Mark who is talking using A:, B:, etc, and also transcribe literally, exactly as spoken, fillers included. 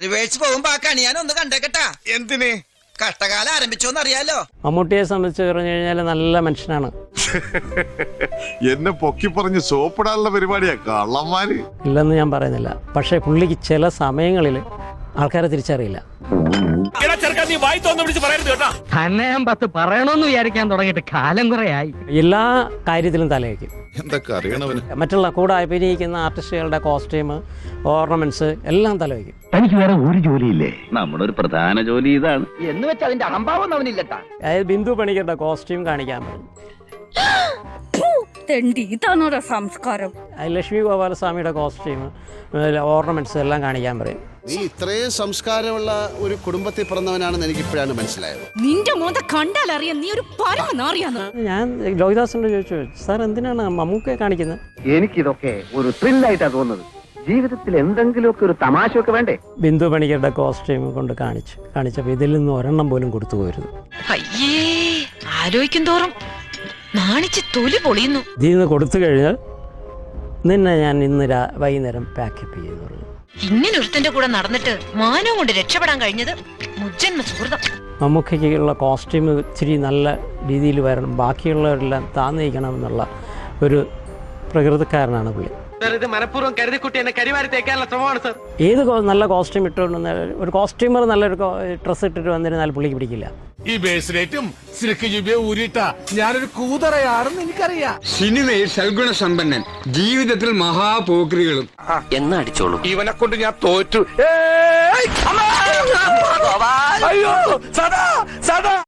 A: ചൊവ്വേഴ്ച പോകുമ്പോ ആ കണിയാൻ ഒന്ന് കണ്ടേക്കട്ടാ.
B: എന്തിന്?
A: കഷ്ടകാലം ആരംഭിച്ചോന്ന് അറിയാലോ.
C: മമ്മൂട്ടിയെ സംബന്ധിച്ച് പറഞ്ഞു കഴിഞ്ഞാൽ നല്ല മനുഷ്യനാണ്.
B: എന്നെ പൊക്കി പറഞ്ഞ് സോപ്പിടാനുള്ള പരിപാടിയാ കള്ളന്മാര്.
C: ഇല്ലെന്ന് ഞാൻ പറയുന്നില്ല, പക്ഷേ പുള്ളിക്ക് ചില സമയങ്ങളിൽ ആൾക്കാരെ തിരിച്ചറിയില്ല.
D: തന്നെ ഞാൻ പത്ത് പറയണമെന്ന് വിചാരിക്കാൻ തുടങ്ങിയിട്ട് കാലം കുറയായി.
C: എല്ലാ കാര്യത്തിലും തലവയ്ക്കും.
B: എന്തൊക്കെ അറിയണവന്.
C: മറ്റുള്ള കൂടെ അഭിനയിക്കുന്ന ആർട്ടിസ്റ്റുകളുടെ കോസ്റ്റ്യൂം, ഓർണമെന്റ്സ് എല്ലാം തലവയ്ക്കും.
E: തനിക്ക് വേറെ ഒരു ജോലിയില്ലേ? നമ്മുടെ ഒരു പ്രധാന ജോലി ഇതാണ്
D: എന്ന് വെച്ചാൽ അതിന്റെ അഹംഭാവം അവനില്ലട്ടാ.
C: അതായത് ബിന്ദു പണിക്കരുടെ കോസ്റ്റ്യൂം കാണിക്കാൻ പറഞ്ഞു.
F: ഇതാണോടാ സംസ്കാരം?
C: ലക്ഷ്മി ഗോപാലസ്വാമിയുടെ കോസ്റ്റ്യൂം, ഓർണമെന്റ്സ് എല്ലാം കാണിക്കാൻ പറയും.
G: നീ ഇത്രയും സംസ്കാരമുള്ള ഒരു കുടുംബത്തിൽ പിറന്നവനാണെന്ന് എനിക്ക് ഇപ്പോഴാണ് മനസ്സിലായത്.
F: നിന്റെ മോന്ത കണ്ടാൽ അറിയാം നീ ഒരു പരമനാറിയാന്ന്.
C: ഞാൻ ലോഹിദാസിനോട് ചോദിച്ചു, സാർ എന്തിനാണ് മമ്മൂക്കയെ കാണിക്കുന്നത്?
E: എനിക്കിതൊക്കെ ഒരു ത്രില്ലായിട്ടാ തോന്നുന്നത്. ജീവിതത്തിൽ എന്തെങ്കിലുമൊക്കെ ഒരു തമാശയൊക്കെ വേണ്ടേ?
C: ബിന്ദു പണിക്കരുടെ കോസ്റ്റ്യൂം കൊണ്ട് കാണിച്ചു കാണിച്ചപ്പോൾ ഇതിൽ നിന്ന് ഒരെണ്ണം പോലും കൊടുത്തു പോരുത്.
F: അയ്യേ, ആലോചിക്കും തോറും നാണിച്ച് തൊലി പൊളിയുന്നു.
C: ഇതിൽ നിന്ന് കൊടുത്തു കഴിഞ്ഞാൽ നിന്നെ ഞാൻ ഇന്ന് വൈകുന്നേരം പാക്കപ്പ് ചെയ്യുന്നു പറഞ്ഞു.
F: ഇങ്ങനെ ഒരുത്തന്റെ കൂടെ നടന്നിട്ട് മാനവും കൊണ്ട് രക്ഷപ്പെടാൻ കഴിഞ്ഞത് മുജ്ജന്മ സുഹൃതം.
C: മമ്മൂക്കയ്ക്കുള്ള കോസ്റ്റ്യൂം ഇച്ചിരി നല്ല രീതിയിൽ വരണം, ബാക്കിയുള്ളവരെല്ലാം താന്നു നിൽക്കണം എന്നുള്ള ഒരു പ്രകൃതിക്കാരനാണ് പുള്ളി.
D: ഇത് മനഃപൂർവ്വം കരുതിക്കുട്ടി എന്നെ കരിവാരി തേക്കാനുള്ള ശ്രമമാണ് സർ.
C: ഏത് നല്ല കോസ്റ്റ്യൂം ഇട്ടുകൊണ്ട് ഒരു കോസ്റ്റ്യൂമർ നല്ലൊരു ഡ്രസ്സ് ഇട്ടിട്ട് വന്നിരുന്നാൽ പുള്ളിക്ക് പിടിക്കില്ല.
H: ഈ ബേസിലേറ്റും സിൽക്ക് ജുബിയെ ഊരിട്ട ഞാനൊരു കൂതറയാണെന്ന് എനിക്കറിയാം.
I: സിനിമയിൽ സൽഗുണ സമ്പന്നൻ, ജീവിതത്തിൽ മഹാപോക്രികളും.
E: എന്നാ അടിച്ചോളൂ.
H: ഇവനെ കൊണ്ട് ഞാൻ തോറ്റു. അയ്യോ സദാ സദാ